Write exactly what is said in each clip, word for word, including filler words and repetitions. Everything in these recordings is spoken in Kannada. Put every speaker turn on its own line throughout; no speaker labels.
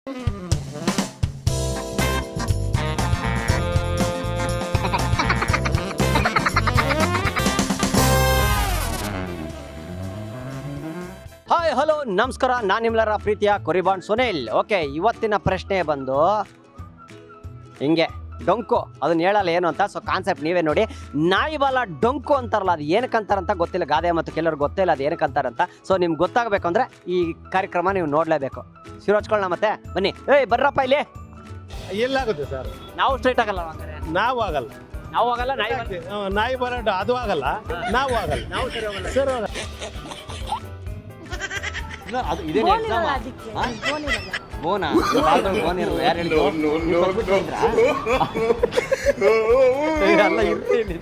ಹಾಯ್ ಹಲೋ ನಮಸ್ಕಾರ, ನಾನು ನಿಮ್ಮೆಲ್ಲರ ಪ್ರೀತಿಯ ಕೊರಿಬಾಂಡ್ ಸುನಿಲ್. ಓಕೆ, ಇವತ್ತಿನ ಪ್ರಶ್ನೆ ಬಂದು ಹಿಂಗೆ ಡೊಂಕು, ಅದನ್ನ ಹೇಳಲ್ಲ ಏನು ಅಂತ. ಸೊ ಕಾನ್ಸೆಪ್ಟ್ ನೀವೇ ನೋಡಿ. ನಾಯಿ ಬಾಲ ಡೊಂಕು ಅಂತಾರಲ್ಲ, ಅದು ಏನಕ್ಕೆ ಅಂತಾರಂತ ಗೊತ್ತಿಲ್ಲ. ಗಾದೆ ಮತ್ತು ಕೆಲವ್ರಿಗೆ ಗೊತ್ತಿಲ್ಲ ಅದು ಏನಕ್ಕೆ ಅಂತಾರಂತ. ಸೊ ನಿಮ್ಗೆ ಗೊತ್ತಾಗಬೇಕು ಅಂದರೆ ಈ ಕಾರ್ಯಕ್ರಮ ನೀವು ನೋಡಲೇಬೇಕು. ಶಿವ ಹಚ್ಕೊಳ್ಳೋಣ ಮತ್ತೆ ಬನ್ನಿ. ಏಯ್ ಬರ್ರಪ್ಪ ಇಲ್ಲಿ.
ಎಲ್ಲಾಗುತ್ತೆ ಸರ್?
ನಾವು ಸ್ಟ್ರೈಟ್ ಆಗಲ್ಲ ಹಂಗಾರೆ.
ನಾವು ಆಗಲ್ಲ.
ನಾವು ಆಗಲ್ಲ. ನಾಯಿ
ಹ್ಮ್, ನಾಯಿ ಬರೋಡ್ ಅದು ಆಗಲ್ಲ, ನಾವು ಆಗಲ್ಲ.
ನಾವು ಸರಿ ಹೋಗಲ್ಲ.
ಸರ್ ಆಗಲ್ಲ.
ಅದು ಇದೇನು ಎಕ್ಸಾಮ್? ಬೋನಾ? ಬೋನ್ ಇರೋದು ಯಾರು ಹೇಳಿದ್ರು? ಅಲ್ಲ ಇರ್ತೀನಿ.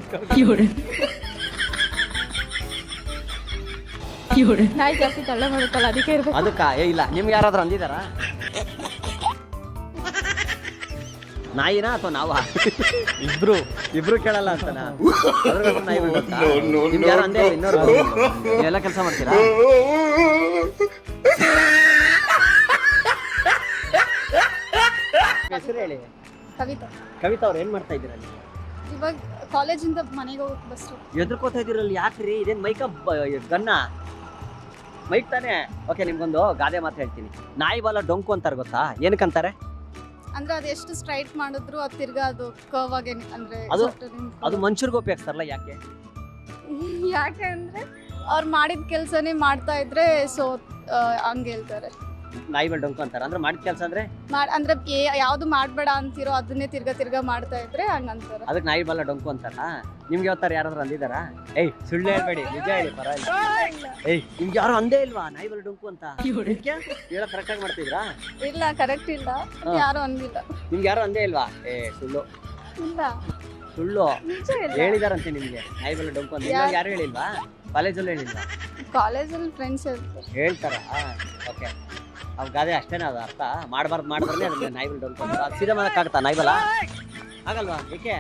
ನಾಯಿ ಜಾಸ್ತಿ ತಳ್ಳ ಮಾಡುತ್ತಲ್ಲ, ಅದಕ್ಕೆ ಇರ್ಬೇಕು.
ಅದಕ್ಕ ಏ ಇಲ್ಲ, ನಿಮ್ಗೆ ಯಾರಾದ್ರೂ ಅಂದಿದಾರ ನಾಯಿನ ಅಥವಾ ನಾವ? ಇಬ್ರು ಇಬ್ರು ಕೇಳಲ್ಲ ಅಂತನಾ? ನಿಮ್ಗೆ ಯಾರು ಅಂದೇ? ಇನ್ನೊರು ನೀವೆಲ್ಲ ಕೆಲಸ ಮಾಡ್ತೀರಾ? ಹೆಸರು ಹೇಳಿ.
ಕವಿತಾ.
ಕವಿತಾ ಅವ್ರು ಏನ್ ಮಾಡ್ತಾ ಇದ್ದೀರಾ?
ಇವಾಗ ಕಾಲೇಜಿಂದ ಮನೆಗೆ ಹೋಗಕ್ ಬಸ್.
ಎದ್ರಕೋತಾ ಇದ್ದೀರಲ್ಲ, ಯಾಕ್ರಿ? ಇದೇನ್ ಮೈಕ ಗನ್ನ ಮೈಕ್ ತಾನೆ? ಓಕೆ, ನಿಮ್ಗೊಂದು ಗಾದೆ ಮಾತು ಹೇಳ್ತೀನಿ. ನಾಯಿ ಬಾಲ ಡೊಂಕು ಅಂತಾರೆ, ಗೊತ್ತಾ? ಏನಕ್ಕಂತಾರೆ?
ಅಂದ್ರೆ ಅದು ಎಷ್ಟು ಸ್ಟ್ರೈಟ್ ಮಾಡಿದ್ರು ಅದು ತಿರ್ಗಾ ಅದು ಕರ್ವ್ ಆಗಿ ಅಂದ್ರೆ
ಅದು
ಸುಟ್ಟು ನಿಂತ್ಕೊಳ್ಳೋದು.
ಅದು ಮನುಷ್ಯರ್ಗೂ ಉಪಯೋಗಿಸ್ತಾರಲ್ಲ, ಯಾಕೆ?
ಯಾಕೆ ಅಂದ್ರೆ ಅವ್ರು ಮಾಡಿದ ಕೆಲ್ಸನೇ ಮಾಡ್ತಾ ಇದ್ರೆ ಸೊ ಹಂಗೆ ಹೇಳ್ತಾರೆ.
ನಾಯಿ ಬಾಲ ಡೊಂಕು ಅಂತಾರೆ ಅಂದ್ರೆ ಮಾಡಿದ ಕೆಲಸ ಅಂದ್ರೆ
ಮಾಡ್ ಅಂದ್ರೆ ಏ- ಯಾವ್ದು ಮಾಡ್ಬೇಡ ಅಂತಿರೋ ಅದನ್ನೇ ತಿರ್ಗಾ ತಿರ್ಗಾ ಮಾಡ್ತಾ ಇದ್ರೆ ಹಂಗಂತಾರೆ.
ಅದಕ್ಕೆ ನಾಯಿ ಬಾಲ ಡೊಂಕು ಅಂತಾರ. ನಿಮ್ಗೆ ಯಾವತ್ತಾರ ಯಾರಾದ್ರೂ ಅಂದಿದಾರ? ಏಯ್ ಸುಳ್ಳು ಹೇಳ್ಬೇಡಿ, ನಿಜ ಹೇಳಿ, ಪರವಾಗಿಲ್ಲ. ಏಯ್ ನಿಮ್ಗೆ ಯಾರು ಅಂದೇ ಇಲ್ವಾ ನಾಯಿ ಬಾಲ ಡೊಂಕು ಅಂತ? ಹೇಳ ಕರೆಕ್ಟ್ ಆಗಿ ಮಾಡ್ತಿದ್ರಾ?
ಇಲ್ಲ, ಕರೆಕ್ಟ್ ಇಲ್ಲ, ಯಾರು ಅಂದಿಲ್ಲ.
ನಿಮ್ಗೆ ಯಾರು ಅಂದೇ ಇಲ್ವಾ? ಏ ಸುಳ್ಳು
ಇಲ್ಲ,
ಸುಳ್ಳು
ನಿಜ ಇಲ್ಲ.
ಹೇಳಿದಾರಂತೆ ನಿಮ್ಗೆ ನಾಯಿ ಬಾಲ ಡೊಂಕು ಅಂತ. ನಿಮ್ಗೆ ಯಾರು ಹೇಳಿಲ್ವಾ? ಕಾಲೇಜಲ್ಲೂ ಹೇಳಿಲ್ವಾ?
ಕಾಲೇಜಲ್ಲಿ ಫ್ರೆಂಡ್ಸ್ ಹೇಳ್ತಾರೆ.
ಹೇಳ್ತಾರ? ಓಕೆ, ಅವ್ ಗಾದೆ ಅಷ್ಟೇನ? ಅದು ಅರ್ಥ ಮಾಡ್ಬಾರ್ದು ಮಾಡಿದ್ರೆ ಅದನ್ನ ನಾಯಿ ಬಾಲ ಡೊಂಕು ಅಂತ. ಅದು ಸೀದಾ ಮಾಡಕ್ಕಾಗತ್ತಾ ನಾಯಿ ಬಾಲ? ಆಗಲ್ವಾ? ಏಕೆ?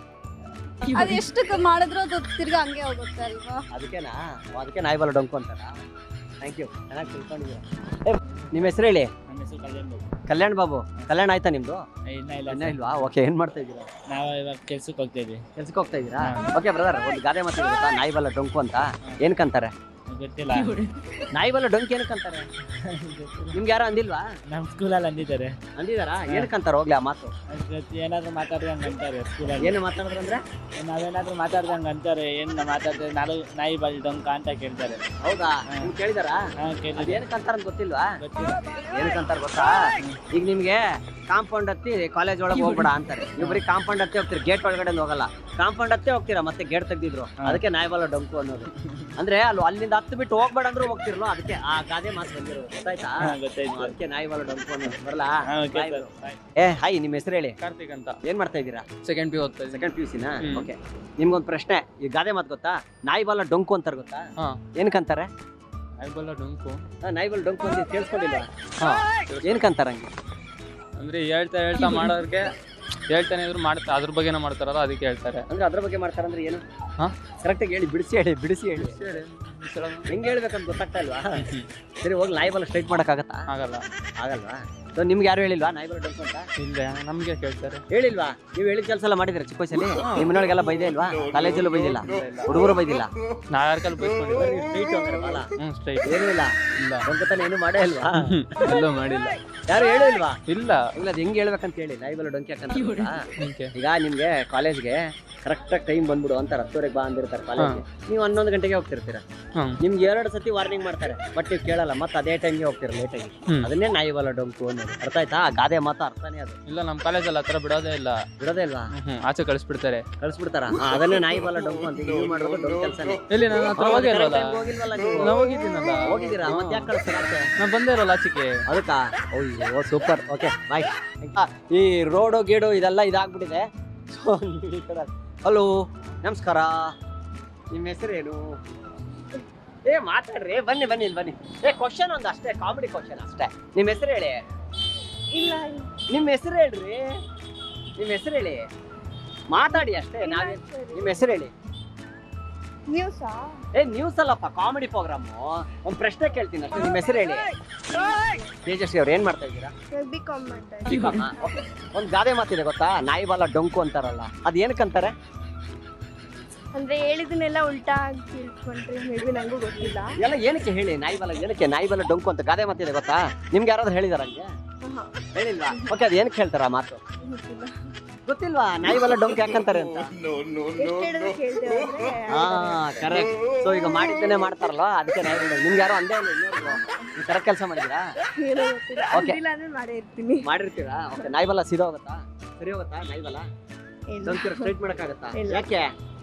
ಅದು ಎಷ್ಟು ಮಾಡಿದ್ರು ಅದು ತಿರ್ಗಾ ಹಂಗೆ ಹೋಗುತ್ತೆ ಅಲ್ವಾ?
ಅದಕ್ಕೆನಾ? ಅದಕ್ಕೆ ನಾಯಿ ಬಾಲ ಡೊಂಕು ಅಂತಾರ. ಥ್ಯಾಂಕ್ ಯು, ಚೆನ್ನಾಗಿ ತಿಳ್ಕೊಂಡಿದ್ದೀರಾ. ಏ ನಿಮ್ಮ ಹೆಸರು ಹೇಳಿ.
ನನ್ನ ಹೆಸರು ಕಲ್ಯಾಣ್ ಬಾಬು.
ಕಲ್ಯಾಣ್ ಬಾಬು. ಕಲ್ಯಾಣ ಆಯ್ತಾ ನಿಮ್ದು?
ಇಲ್ಲ ಇಲ್ಲ
ಇನ್ನ ಇಲ್ವಾ? ಓಕೆ, ಏನ್ ಮಾಡ್ತಾ ಇದ್ದೀರಾ?
ನಾವು ಇವಾಗ ಕೆಲ್ಸಕ್ಕೆ ಹೋಗ್ತಾ ಇದ್ವಿ.
ಕೆಲ್ಸಕ್ಕೆ ಹೋಗ್ತಾ ಇದ್ದೀರಾ? ಓಕೆ ಬ್ರದರ್, ಒಂದು ಗಾದೆ ಮಾತು ಗೊತ್ತಾ? ನಾಯಿ ಬಾಲ ಡೊಂಕು ಅಂತ ಏನಕ್ಕಂತಾರೆ?
ಗೊತ್ತಿಲ್ಲ.
ನಾಯಿ ಬಾಲ ಡೊಂಕು ಏನಕ್ಕಂತಾರೆ? ನಿಮ್ಗೆ ಯಾರು ಅಂದಿಲ್ವಾ?
ನಮ್ಮ ಸ್ಕೂಲಲ್ಲಿ ಅಂದಿದ್ದಾರೆ.
ಅಂದಿದಾರಾ? ಏನಕ್ಕಂತಾರ ಹೋಗ್ಲಿ ಆ ಮಾತು?
ಜೊತೆ ಏನಾದ್ರು ಮಾತಾಡ್ದಂಗೆ ಅಂತಾರೆ ಸ್ಕೂಲಲ್ಲಿ.
ಏನು ಮಾತಾಡಿದ್ರಂದ್ರೆ?
ನಾವೇನಾದ್ರೂ ಮಾತಾಡ್ದಂಗೆ ಅಂತಾರೆ. ಏನು ಮಾತಾಡ್ತಾರೆ, ನಾನು ನಾಯಿ ಬಾಲ್ ಡೊಂಕ ಅಂತ ಕೇಳ್ತಾರೆ.
ಹೌದಾ? ನಿಮ್ಗೆ ಕೇಳಿದಾರಾ?
ಹಾಂ ಕೇಳಿ.
ಅದು ಏನಕ್ಕಂತಾರ ಅಂತ ಗೊತ್ತಿಲ್ವಾ?
ಗೊತ್ತಿಲ್ಲ.
ಏನಕ್ಕಂತಾರ ಗೊತ್ತಾ? ಈಗ ನಿಮ್ಗೆ ಕಾಂಪೌಂಡ್ ಹತ್ತಿ ಕಾಲೇಜ್ ಒಳಗೆ ಹೋಗ್ಬೇಡ ಅಂತಾರೆ. ನೀವು ಬರೀ ಕಾಂಪೌಂಡ್ ಹತ್ತಿ ಹೋಗ್ತೀರಿ, ಗೇಟ್ ಒಳಗಡೆ ಹೋಗಲ್ಲ. ಕಾಂಪೌಂಡ್ ಹತ್ತಿ ಹೋಗ್ತೀರಾ, ಮತ್ತೆ ಗೇಟ್ ತೆಗ್ದಿದ್ರು. ಅದಕ್ಕೆ ನಾಯಿ ಬಾಲ ಡೊಂಕು ಅನ್ನೋದು. ಅಂದ್ರೆ ಅಲ್ಲಿ ಅಲ್ಲಿಂದ ಹತ್ತು ಬಿಟ್ಟು ಹೋಗ್ಬೇಡ ಅಂದ್ರೂ ಹೋಗ್ತಿರ್ಲೋ, ಅದಕ್ಕೆ ಆ ಗಾದೆ ಮಾತು ಬಂದಿರೋದು. ಗೊತ್ತಾಯ್ತಾ?
ಹಾಂ ಗೊತ್ತಾಯ್ತು.
ಅದಕ್ಕೆ ನಾಯಿ ಬಾಲ ಡೊಂಕು ಅನ್ನೋದು. ಬರಲ್ಲ?
ಹಾಂ ಓಕೆ ಸರ್.
ಏ ಹಾಯ್, ನಿಮ್ಮ ಹೆಸರು ಹೇಳಿ.
ಕಾರ್ತಿಕ್ ಅಂತ.
ಏನ್ ಮಾಡ್ತಾ ಇದ್ದೀರಾ?
ಸೆಕೆಂಡ್ ಪಿ ಓದ್ತಾ ಇದ್ದೀನಿ.
ಸೆಕೆಂಡ್ ಪಿ ಯು ಸಿನಾ?
ಹ್ಮ್.
ಓಕೆ, ನಿಮ್ಗೊಂದು ಪ್ರಶ್ನೆ. ಈ ಗಾದೆ ಮಾತು ಗೊತ್ತಾ? ನಾಯಿ ಬಾಲ ಡೊಂಕು ಅಂತಾರೆ, ಗೊತ್ತಾ?
ಹಾಂ.
ಏನಕ್ಕಂತಾರೆ?
ನಾಯಿ ಬಾಲ್ ಡೊಂಕು.
ಆ, ನಾಯಿ ಬಾಲ ಡೊಂಕು ಅಂತ ಕೇಳಿಸ್ಕೊಂಡಿಲ್ಲ?
ಹಾಂ.
ಏನಕ್ಕಂತಾರ ಹಂಗೆ?
ಅಂದ್ರೆ ಹೇಳ್ತಾ ಹೇಳ್ತಾ ಮಾಡೋರಿಗೆ ಹೇಳ್ತಾನೆ ಇದ್ರು ಮಾಡ್ತಾ ಅದ್ರ ಬಗ್ಗೆನೇ ಮಾಡ್ತಾರಲ್ಲ, ಅದಕ್ಕೆ ಹೇಳ್ತಾರೆ.
ಅಂದ್ರೆ ಅದ್ರ ಬಗ್ಗೆ ಮಾಡ್ತಾರಂದ್ರೆ ಏನು?
ಹಾಂ.
ಕರೆಕ್ಟಾಗಿ ಹೇಳಿ, ಬಿಡಿಸಿ ಹೇಳಿ, ಬಿಡಿಸಿ ಹೇಳಿ. ಹೆಂಗೆ ಹೇಳ್ಬೇಕಂತ ಗೊತ್ತಾಗ್ತಾ ಇಲ್ವಾ? ಸರಿ, ಹೋಗಿ ನಾಯಿ ಬಾಲ ಸ್ಟ್ರೈಟ್ ಮಾಡೋಕ್ಕಾಗತ್ತಾ?
ಆಗಲ್ಲ.
ಆಗಲ್ವಾ? ಸೊ ನಿಮ್ಗೆ ಯಾರು ಹೇಳಿಲ್ವಾ ನಾಯಿ ಬಾಲ ಡೊಂಕು ಅಂತ?
ಇಲ್ಲ, ನಮಗೆ ಕೇಳ್ತಾರೆ.
ಹೇಳಿಲ್ವಾ? ನೀವು ಹೇಳಿದ ಕೆಲಸ ಎಲ್ಲ ಮಾಡಿದಿರ ಚಿಕ್ಕ ವಯಸ್ಸಲ್ಲಿ? ನಿಮ್ಮ ಮನೆಯೊಳಗೆಲ್ಲ ಬೈದೇ ಇಲ್ವಾ? ಕಾಲೇಜಲ್ಲೂ ಬೈದಿಲ್ಲ? ಹುಡುಗರು ಬೈದಿಲ್ಲ?
ನಾವ್ ಯಾರ ಕಾಲ ಬೈಸ್ಕೊಂಡಿಲ್ಲ.
ಸ್ಟ್ರೈಟ್ ಅಂದ್ರೆ ಬಾಲ
ಹ್ಮ್ ಸ್ಟ್ರೈಟ್.
ಏನೂ ಇಲ್ಲ?
ಇಲ್ಲ.
ಡೊಂಕತನ ಏನು ಮಾಡೇ ಇಲ್ವಾ?
ಎಲ್ಲೂ ಮಾಡಿಲ್ಲ.
ಯಾರು ಹೇಳಿಲ್ವಾ?
ಇಲ್ಲ.
ಇಲ್ಲ, ಅದು ಹೆಂಗೆ ಹೇಳ್ಬೇಕಂತ ಹೇಳಿ. ನಾಯಿ ಬಾಲ ಡೊಂಕಿ ಯಾಕಂತ ಗೊತ್ತಾ?
ಓಕೆ.
ಈಗ ನಿಮ್ಗೆ ಕಾಲೇಜ್ಗೆ ಕರೆಕ್ಟಾಗಿ ಟೈಮ್ ಬಂದ್ಬಿಡು ಅಂತಾರೆ. ಹತ್ತುವರೆಗೆ ಬಾ ಅಂದಿರ್ತಾರೆ ಕಾಲೇಜ್ಗೆ. ನೀವು ಹನ್ನೊಂದು ಗಂಟೆಗೆ ಹೋಗ್ತಿರ್ತೀರ.
ಹ್ಮ್.
ನಿಮ್ಗೆ ಎರಡು ಸತಿ ವಾರ್ನಿಂಗ್ ಮಾಡ್ತಾರೆ, ಬಟ್ ನೀವು ಕೇಳಲ್ಲ, ಮತ್ತೆ ಅದೇ ಟೈಮ್ಗೆ ಹೋಗ್ತೀರ ಲೇಟಾಗಿ.
ಹ್ಮ್.
ಅದನ್ನೇ ನಾಯಿ ಬಾಲ ಡೊಂಕು ಅನ್ನೋದು. ಅರ್ಥ ಆಯ್ತಾ? ಆ ಗಾದೆ ಮಾತು ಅರ್ಥನೇ ಅದು.
ಇಲ್ಲ, ನಮ್ಮ ಕಾಲೇಜಲ್ಲಿ ಹತ್ರ ಬಿಡೋದೇ ಇಲ್ಲ.
ಬಿಡೋದೇ ಇಲ್ವಾ?
ಹ್ಮ್ ಆಚೆ ಕಳಿಸ್ಬಿಡ್ತಾರೆ.
ಕಳಿಸ್ಬಿಡ್ತಾರ? ಅದನ್ನೇ ನಾಯಿ ಬಾಲ ಡೊಂಕು ಅಂತ. ನೀವು ಮಾಡೋದು ಡೊಂಕು ಕೆಲಸನೇ.
ಎಲ್ಲಿ ನನ್ನ ಹತ್ರ ಹೋಗೇ ಇರೋಲ್ಲ.
ಹೋಗಿಲ್ವಲ್ಲ ನೀವು?
ನಾವು ಹೋಗಿದ್ದೀನಲ್ಲ.
ಹೋಗಿದ್ದೀರಾ? ಮತ್ತೆ ಯಾಕೆ ಕಳಿಸ್ತಾರೆ ಆಚೆ?
ನಾ ಬಂದೇ ಇರೋಲ್ಲ ಆಚೆಗೆ.
ಅದಕ್ಕ? ಓ ಸೂಪರ್. Okay bye. ಈ ರೋಡು ಗೀಡು ಇದೆಲ್ಲ ಇದಾಗ್ಬಿಟ್ಟಿದೆ. ಸೊ ನೀವು ಈ ಕಡೆ. ಹಲೋ ನಮಸ್ಕಾರ, ನಿಮ್ಮ ಹೆಸರೇನು? ಏ ಮಾತಾಡ್ರಿ, ಬನ್ನಿ ಬನ್ನಿ ಇಲ್ಲಿ ಬನ್ನಿ. ಏ ಕ್ವಶನ್ ಒಂದು ಅಷ್ಟೇ, ಕಾಮಿಡಿ ಕ್ವಶನ್ ಅಷ್ಟೇ. ನಿಮ್ಮ ಹೆಸರು ಹೇಳಿ.
ಇಲ್ಲ,
ನಿಮ್ಮ ಹೆಸರು ಹೇಳ್ರಿ. ನಿಮ್ಮ ಹೆಸರು ಹೇಳಿ, ಮಾತಾಡಿ ಅಷ್ಟೇ. ನಾವೇ ನಿಮ್ಮ ಹೆಸರು ಹೇಳಿ.
ನ್ಯೂಸಾ?
ಏ ನ್ಯೂಸ್ ಅಲ್ಲಪ್ಪ, ಕಾಮಿಡಿ ಪ್ರೋಗ್ರಾಮು. ಒಂದ್ ಪ್ರಶ್ನೆ ಕೇಳ್ತೀನಿ ಅಷ್ಟೇ, ನಿಮ್ಮ ಹೆಸರು ಹೇಳಿ. ತೇಜಸ್ವಿ ಅವ್ರು ಏನ್ ಮಾಡ್ತಾ ಇದ್ದೀರಾ?
ಬಿ ಕಾಮ್ ಮಾಡ್ತಾ
ಬಿ ಕಾಮ್. ಒಂದ್ ಗಾದೆ ಮಾತಿದೆ ಗೊತ್ತಾ, ನಾಯಿ ಬಾಲ ಡೊಂಕು ಅಂತಾರಲ್ಲ, ಅದ್ ಏನಕ್ಕಂತಾರೆ?
ಅಂದ್ರೆ ಹೇಳಿದನ್ನೆಲ್ಲ ಉಲ್ಟಾ ತಿಳ್ಕೊಂಡ್ರೆ ಮೇಬಿ ನಂಗೂ ಗೊತ್ತಿಲ್ಲ.
ಎಲ್ಲ ಏನಕ್ಕೆ ಹೇಳಿ, ನಾಯಿ ಬಾಲ ಏನಕ್ಕೆ ನಾಯಿ ಬಾಲ ಡೊಂಕು ಅಂತ ಗಾದೆ ಮಾತಿದೆ ಗೊತ್ತಾ? ನಿಮ್ಗೆ ಯಾರಾದ್ರೂ ಹೇಳಿದಾರ ಹಂಗೆ? ಹೇಳಿಲ್ವಾ? ಓಕೆ, ಅದ್ ಏನಕ್ಕೆ ಹೇಳ್ತಾರ ಮಾತು? ಗೊತ್ತಿಲ್ವಾ ನಾಯಿ ಬಾಲ ಡೊಂಕು ಯಾಕಂತಾರೆ ಅಂತ? ಹಾ, ಕರೆಕ್ಟ್. ಸೊ ಈಗ ಮಾಡಿದ್ದೇನೆ ಮಾಡ್ತಾರಲ್ಲ, ಅದಕ್ಕೆ ನಾಯಿ ಬಾಲ. ನಿಮ್ಗೆ ಯಾರೋ ಅಂದೇ ಇಲ್ಲ ಇನ್ನೊಬ್ರು. ನೀವು ಕರೆಕ್ಟ್ ಕೆಲಸ ಮಾಡಿದೀರಾ? ಓಕೆ, ಮಾಡಿರ್ತೀರಾ? ಓಕೆ, ನಾಯಿ ಬಾಲ ಸೀದಾ ಹೋಗುತ್ತಾ? ಸರಿ ಹೋಗುತ್ತಾ ನಾಯಿ ಬಾಲ? ಡೊಂಕು ಸ್ಟ್ರೈಟ್ ಮಾಡಕ್ಕಾಗತ್ತಾ? ಯಾಕೆ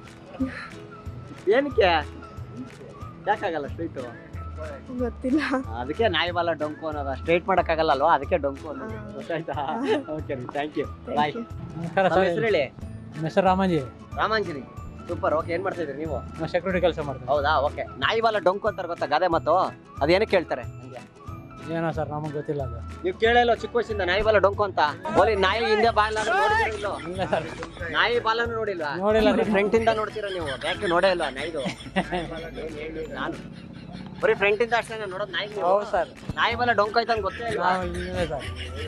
ಏನಕ್ಕೆ ಯಾಕಾಗಲ್ಲ ಸ್ಟ್ರೈಟು?
ಗೊತ್ತಿಲ್ಲ.
ಅದಕ್ಕೆ ನಾಯಿ ಬಾಲ ಡೊಂಕು ಅನ್ನೋದು. ಸ್ಟ್ರೈಟ್ ಮಾಡಕ್ಕಾಗಲ್ಲ ಅಲ್ವಾ, ಅದಕ್ಕೆ ಡೊಂಕು ಅನ್ನೋದು. ಗೊತ್ತಾಯ್ತಾ? Okay, thank you, bye. ಹೆಸರು ಹೇಳಿ.
ಹೆಸರು ರಾಮಾಂಜಿ.
ರಾಮಾಂಜನಿ, ಸೂಪರ್. ಓಕೆ, ಏನ್ ಮಾಡ್ತಾ ಇದ್ರಿ ನೀವು?
ನಾವು ಸೆಕ್ಯೂರಿಟಿ ಕೆಲಸ ಮಾಡ್ತೀವಿ.
ಹೌದಾ? ಓಕೆ, ನಾಯಿ ಬಾಲ ಡೊಂಕು ಅಂತಾರೆ ಗೊತ್ತಾ ಗಾದೆ ಮಾತು? ಅದೇನಕ್ಕೆ ಹೇಳ್ತಾರೆ ಹಂಗೆ?
ಏನೋ ಸರ್ ನಮಗೆ ಗೊತ್ತಿಲ್ಲ ಅದು.
ನೀವು ಕೇಳಿಲ್ಲ ಚಿಕ್ಕ ವಯಸ್ಸಿಂದ ನಾಯಿ ಬಾಲ ಡೊಂಕು ಅಂತ? ಓಲಿ ನಾಯಿ ಹಿಂದೆ ಬಾಲ ನೋಡಿದಿರೋ?
ಇಲ್ಲ ಸರ್,
ನಾಯಿ ಬಾಲನು ನೋಡಿಲ್ವಾ?
ನೋಡಿಲ್ಲ.
ಫ್ರಂಟ್ ಇಂದ ನೋಡ್ತೀರಾ ನೀವು, ಯಾಕೆ ನೋಡೇ ಇಲ್ವಾ ನಾಯಿದು? ನಾನು ಬರೀ ಫ್ರಂಟ್ ಇಂದ ಅಷ್ಟೇ ನೋಡೋದು ನಾಯಿ.
ಹೌದು ಸರ್.
ನಾಯಿ ಬಾಲ ಡೊಂಕು ಆಯ್ತು ಅಂತ ಗೊತ್ತೇ ಇಲ್ಲ.
ನಾವು ಇಲ್ಲ ಸರ್.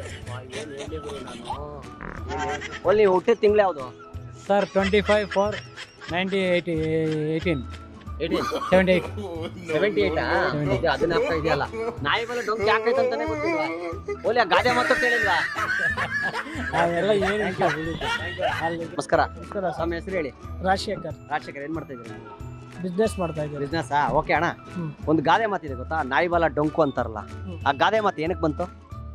ಓಲಿ ನೀವು ಹುಟ್ಟಿದ ತಿಂಗಳು ಯಾವುದು
sir? Twenty five four ninety eighty eighteen
eighteen
seventy eight
seventy ಏಯ್ಟಾ? ಅದನ್ನ ಆಗ್ತಾ ಇದೆಯಲ್ಲ. ನಾಯಿ ಬಾಲ ಡೊಂಕು ಯಾಕೈತೆ ಅಂತಾನೆ ಗೊತ್ತಿಲ್ವಾ? ಓಲಿ ಆ ಗಾದೆ ಮಾತು ಕೇಳಿಲ್ವಾ?
ಅವೆಲ್ಲ ಏನು
ನಮಸ್ಕಾರ. ನಮ್ಮ ಹೆಸರು ಹೇಳಿ.
ರಾಜಶೇಖರ್.
ರಾಜಶೇಖರ್, ಏನ್ ಮಾಡ್ತಾ ಇದ್ದೀರಿ?
ಬಿಸ್ನೆಸ್ ಮಾಡ್ತಾ ಇದ್ದೀವಿ.
ಬಿಸ್ನೆಸ್. ಓಕೆ ಅಣ್ಣ,
ಹ್ಮ್.
ಒಂದು ಗಾದೆ ಮಾತಿದೆ ಗೊತ್ತಾ, ನಾಯಿ ಬಾಲ ಡೊಂಕು ಅಂತಾರಲ್ಲ,
ಹ್ಮ್.
ಆ ಗಾದೆ ಮಾತು ಏನಕ್ಕೆ ಬಂತು?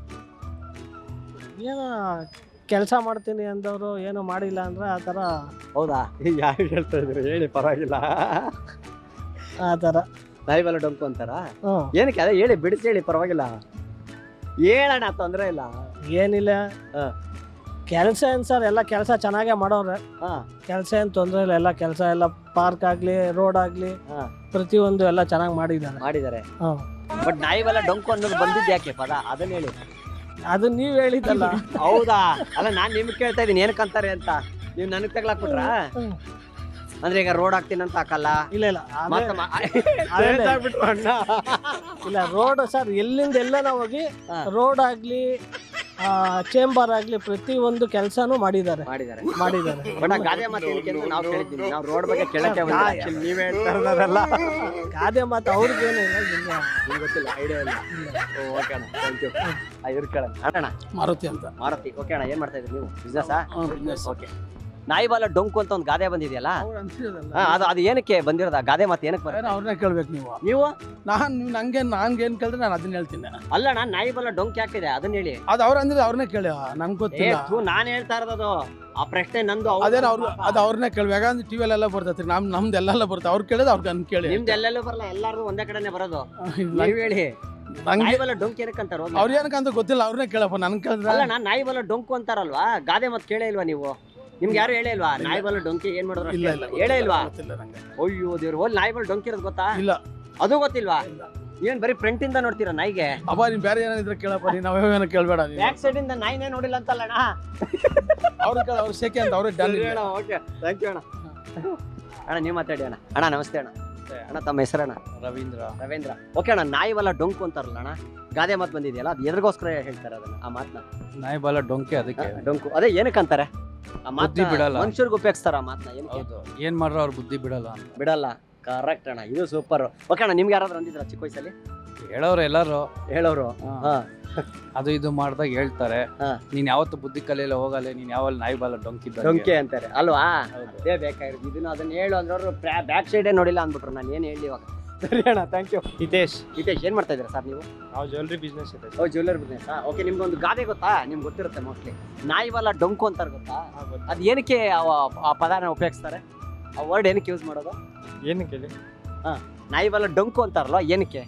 ಏನೋ ಕೆಲಸ ಮಾಡ್ತೀನಿ ಅಂದವರು ಏನು ಮಾಡಿಲ್ಲ ಅಂದ್ರೆ ಆ ಥರ.
ಹೌದಾ? ಯಾರು ಹೇಳ್ತಾ ಇದ್ರಿ ಹೇಳಿ, ಪರವಾಗಿಲ್ಲ.
ಆ ಥರ
ನಾಯಿ ಬಾಲ ಡೊಂಕು ಅಂತಾರ?
ಹ್ಞೂ.
ಏನಕ್ಕೆ? ಅದೇ ಹೇಳಿ, ಬಿಡಿಸಿ ಹೇಳಿ, ಪರವಾಗಿಲ್ಲ. ಹೇಳೋಣ, ತೊಂದರೆ ಇಲ್ಲ.
ಏನಿಲ್ಲ.
ಹಾ.
ಕೆಲಸ ಏನು ಸರ್, ಎಲ್ಲ ಕೆಲಸ ಚೆನ್ನಾಗೇ ಮಾಡೋರೆ.
ಹಾ,
ಕೆಲಸ ಏನು ತೊಂದರೆ ಇಲ್ಲ. ಎಲ್ಲ ಕೆಲಸ ಎಲ್ಲ ಪಾರ್ಕ್ ಆಗಲಿ ರೋಡ್ ಆಗಲಿ
ಹಾ.
ಪ್ರತಿಯೊಂದು ಎಲ್ಲ ಚೆನ್ನಾಗಿ ಮಾಡಿದ್ದಾರೆ.
ಮಾಡಿದ್ದಾರೆ.
ಹಾಂ.
ಬಟ್ ನಾಯಿ ಬಾಲ ಡೊಂಕು ಅನ್ನೋದು ಬಂದಿದ್ದು ಯಾಕೆ ಪದ? ಅದನ್ನ ಹೇಳಿ.
ಅದು ನೀವು ಹೇಳಿದ್ದಲ್ಲ.
ಹೌದಾ? ಅಲ್ಲ, ನಾನ್ ನಿಮ್ಗೆ ಕೇಳ್ತಾ ಇದೀನಿ ಏನಕ್ಕಂತಾರೆ ಅಂತ. ನೀವು ನನಗೆ ತಗ್ಲಾಕ್ಬಿಟ್ರಾ?
ಹ್ಮ್.
ಅಂದ್ರೆ ಈಗ ರೋಡ್ ಹಾಕ್ತೀನಿ ಅಂತ ಹಾಕಲ್ಲ?
ಇಲ್ಲ ಇಲ್ಲ ಅದೇ-
ಮತ್ತೆ ಮ-
ಅದೇ-
ಹೇಳ್ತಾಬಿಟ್ರು ಅಣ್ಣ.
ಇಲ್ಲ, ರೋಡ್ ಸರ್ ಎಲ್ಲಿಂದ ಎಲ್ಲನ ಹೋಗಿ
ಹಾ.
ರೋಡ್ ಆಗ್ಲಿ ಚೇಂಬರ್ ಆಗ್ಲಿ ಪ್ರತಿ ಒಂದು ಕೆಲಸನೂ ಮಾಡಿದ್ದಾರೆ
ಮಾಡಿದ್ದಾರೆ
ಮಾಡಿದ್ದಾರೆ
ಬಟ್ ಆ ಗಾದೆ ಮಾತು ಏನಕ್ಕೆ ಅಂತ ನಾವು ಕೇಳಿದ್ವಿ. ನಾವು ರೋಡ್ ಬಗ್ಗೆ ಕೇಳಕ್ಕೆ ಬಂದಿಲ್ಲ. ನೀವೇ ಹೇಳ್ತಾ ಇರೋದಲ್ಲ.
ಗಾದೆ ಮಾತು ಅವ್ರಿಗೇನು ಇಲ್ಲ.
ನಿಮ್ಗೆ ಗೊತ್ತಿಲ್ಲ, ಐಡಿಯಾ ಇಲ್ಲ. ಓಕೆ ಅಣ್ಣ, ಥ್ಯಾಂಕ್ ಯು. ಇರ್ಕೊಳ್ಳೋಣ ಅಣ್ಣ.
ಮಾರುತಿ ಅಂತ.
ಮಾರುತಿ. ಓಕೆ ಅಣ್ಣ, ಏನ್ ಮಾಡ್ತಾ ಇದ್ರಿ ನೀವು? ಬಿಸ್ನೆಸ್ಸಾ? ಓಕೆ. ನಾಯಿ ಬಾಲ ಡೊಂಕು ಅಂತ ಒಂದು ಗಾದೆ ಬಂದಿದೆಯಲ್ಲ, ಹಾ, ಅದು ಅದು ಏನಕ್ಕೆ ಬಂದಿರೋದು? ಆ ಗಾದೆ ಮಾತು ಏನಕ್ಕೆ ಬರುತ್ತೆ?
ಅವ್ರನ್ನ ಕೇಳ್ಬೇಕು ನೀವು.
ನೀವು
ನಾನು ನೀವು ನಂಗೆ ನಂಗೆ ಏನು ಕೇಳಿದ್ರೆ ನಾನು ಅದನ್ನ ಹೇಳ್ತೀನಿ.
ಅಲ್ಲ, ನಾನು ನಾಯಿ ಬಾಲ ಡೊಂಕು ಯಾಕಿದೆ ಅದನ್ನ ಹೇಳಿ.
ಅದು ಅವ್ರ ಅಂದ್ರೆ ಅವ್ರನ್ನೇ ಕೇಳಿ, ನಂಗೆ
ಏ
ಗೊತ್ತಿಲ್ಲ.
ಥೂ, ನಾನ್ ಹೇಳ್ತಾ ಇರೋದು ಆ ಪ್ರಶ್ನೆ ನಂದು. ಅವ್ರ್ದು
ಅದೇನು ಅವ್ರು
ಪಾಪ.
ಅದು ಅವ್ರನ್ನೇ ಕೇಳ್ಬೇಕು. ಯಾಕಂದ್ರೆ ಟಿವಿ ಎಲ್ಲ ಬರ್ತೈತಿ, ನಮ್ ನಮ್ದು ಎಲ್ಲೆಲ್ಲ ಬರುತ್ತೆ. ಅವ್ರು ಕೇಳಿದ್ರೆ ಅವ್ರಿಗೆ ನನ್ ಕೇಳಿ.
ನಿಮ್ದು ಎಲ್ಲೆಲ್ಲೂ ಬರಲ್ಲ, ಎಲ್ಲಾರ್ದು ಒಂದೇ ಕಡೆನೆ ಬರೋದು.
ಇಲ್ಲ,
ನೀವ್ ಹೇಳಿ,
ನಂಗೆ
ನಾಯಿ ಬಾಲ ಡೊಂಕು ಏನಕ್ಕೆ ಅಂತಾರ?
ಅವ್ರು ಏನಕ್ಕಂತ ಗೊತ್ತಿಲ್ಲ, ಅವ್ರನ್ನೇ ಕೇಳಪ್ಪ. ನನ್ ಕೇಳಿದ್ರೆ
ಅಲ್ಲ, ನಾನ್ ನಾಯಿ ಬಾಲ ಡೊಂಕು ಅಂತಾರಲ್ವಾ, ಗಾದೆ ಮಾತು ಕೇಳೇ ಇಲ್ವಾ ನೀವು? ನಿಮ್ಗೆ ಯಾರು ಹೇಳೇ ಇಲ್ವಾ ನಾಯಿ ಬಾಲ ಡೊಂಕಿ ಏನ್ ಮಾಡಿದ್ರು?
ಇಲ್ಲ ಇಲ್ಲ
ಹೇಳೇ ಇಲ್ವಾ?
ಗೊತ್ತಿಲ್ಲ ನಂಗೆ.
ಅಯ್ಯೋ ದೇವ್ರು, ಹೋಲ್ ನಾಯಿ ಬಾಲ ಡೊಂಕಿ ಇರೋದು ಗೊತ್ತಾ?
ಇಲ್ಲ.
ಅದು ಗೊತ್ತಿಲ್ವಾ? ಏನ್ ಬರೀ ಫ್ರಂಟ್ ಇಂದ ನೋಡ್ತೀರಾ ನಾಯಿಗೆ?
ಅಪ್ಪ ನೀನ್ ಬೇರೆ ಏನಾದ್ರೆ ಕೇಳಪ್ಪ, ನೀನ್ ನಾವೇನೋ ಕೇಳ್ಬೇಡ.
ಬ್ಯಾಕ್ ಸೈಡ್ ಇಂದ ನಾಯಿನೇ ನೋಡಿಲ್ಲ ಅಂತಲ್ಲಣ್ಣ.
ಅವ್ರು ಕೇಳ, ಅವ್ರು ಸೆಕೆ ಅಂತ ಅವ್ರೇ ಡನ್.
ಓಕೆ, ಥ್ಯಾಂಕ್ ಯು ಅಣ್ಣ. ಅಣ್ಣ ನೀವು ಮಾತಾಡಿ ಅಣ್ಣ. ಅಣ್ಣ ನಮಸ್ತೆ ಅಣ್ಣ. ಅಣ್ಣ ತಮ್ಮ ಹೆಸರಣ್ಣ?
ರವೀಂದ್ರ.
ರವೀಂದ್ರ. ಓಕೆ ಅಣ್ಣ, ನಾಯಿ ಬಾಲ ಡೊಂಕು ಅಂತಾರಲ್ಲ ಅಣ್ಣ, ಗಾದೆ ಮಾತು ಬಂದಿದೆಯಲ್ಲ, ಅದು ಎದ್ರಿಗೋಸ್ಕರ ಹೇಳ್ತಾರೆ ಅದನ್ನ, ಆ ಮಾತನ್ನ?
ನಾಯಿ ಬಾಲ ಡೊಂಕೆ ಅದಕ್ಕೆ
ಡೊಂಕು. ಅದೇ ಏನಕ್ಕೆ ಅಂತಾರೆ ಆ
ಬುದ್ಧಿ ಬಿಡಲ್ಲ.
ಮನುಷ್ಯರಿಗೆ ಉಪಯೋಗಿಸ್ತಾರ ಆ ಮಾತನ್ನ? ಏನಕ್ಕೆ?
ಹೌದು, ಏನ್ ಮಾಡ್ರ ಅವ್ರ ಬುದ್ಧಿ ಬಿಡಲ್ಲ ಅಂತ.
ಬಿಡಲ್ಲ. ಕರೆಕ್ಟ್ ಅಣ್ಣ, ಇದು ಸೂಪರ್. ಓಕೆ ಅಣ್ಣ, ನಿಮ್ಗೆ ಯಾರಾದ್ರೂ ಅಂದಿದ್ರ ಚಿಕ್ಕ ವಯಸ್ಸಲ್ಲಿ?
ಹೇಳೋರು ಎಲ್ಲಾರು
ಹೇಳೋರು? ಹಾ.
ಅದು ಇದು ಮಾಡ್ದಾಗ ಹೇಳ್ತಾರೆ,
ಹಾ.
ನೀನ್ ಯಾವತ್ತು ಬುದ್ಧಿ ಕಲಿಯಲ್ಲ ಹೋಗಲ್ಲ, ನೀನ್ ಯಾವಲ್ಲಿ ನಾಯಿ ಬಾಲ ಡೊಂಕಿ
ಡೊಂಕೆ ಅಂತಾರೆ ಅಲ್ವಾ?
ಹೌದು.
ಅದೇ ಬೇಕಾಗಿರೋದು. ಇದನ್ನ ಅದನ್ನ ಹೇಳು ಅಂದ್ರೆ ಅವರು ಬ್ಯಾಕ್ ಸೈಡೇ ನೋಡಿಲ್ಲ ಅಂದ್ಬಿಟ್ರು. ನಾನು ಏನು ಹೇಳಿ ಇವಾಗ? ಸರಿ ಅಣ್ಣ, ಥ್ಯಾಂಕ್ ಯು.
ಹಿತೇಶ್.
ಹಿತೇಶ್, ಏನ್ ಮಾಡ್ತಾ ಇದ್ದೀರಾ ಸರ್ ನೀವು?
ನಾವು ಜ್ಯುವೆಲ್ರಿ ಬಿಸ್ನೆಸ್ ಇದೆ.
ಓ, ಜ್ಯುವೆಲ್ಲರಿ ಬಿಸ್ನೆಸ್. ಓಕೆ, ನಿಮ್ಗೆ ಒಂದು ಗಾದೆ ಗೊತ್ತಾ? ನಿಮ್ಗೆ ಗೊತ್ತಿರುತ್ತೆ ಮೋಸ್ಟ್ಲಿ. ನಾಯಿ ಬಾಲ ಡೊಂಕು ಅಂತಾರೆ ಗೊತ್ತಾ? ಅದು ಏನಕ್ಕೆ ಆ ಪದಾನ ಉಪಯೋಗಿಸ್ತಾರೆ? ಆ ವರ್ಡ್ ಏನಕ್ಕೆ ಯೂಸ್ ಮಾಡೋದು?
ಏನಕ್ಕೆ ಹೇಳಿ?
ಹಾ, ನಾಯಿ ಬಾಲ ಡೊಂಕು ಅಂತಾರಲ್ವಾ, ಏನಕ್ಕೆ?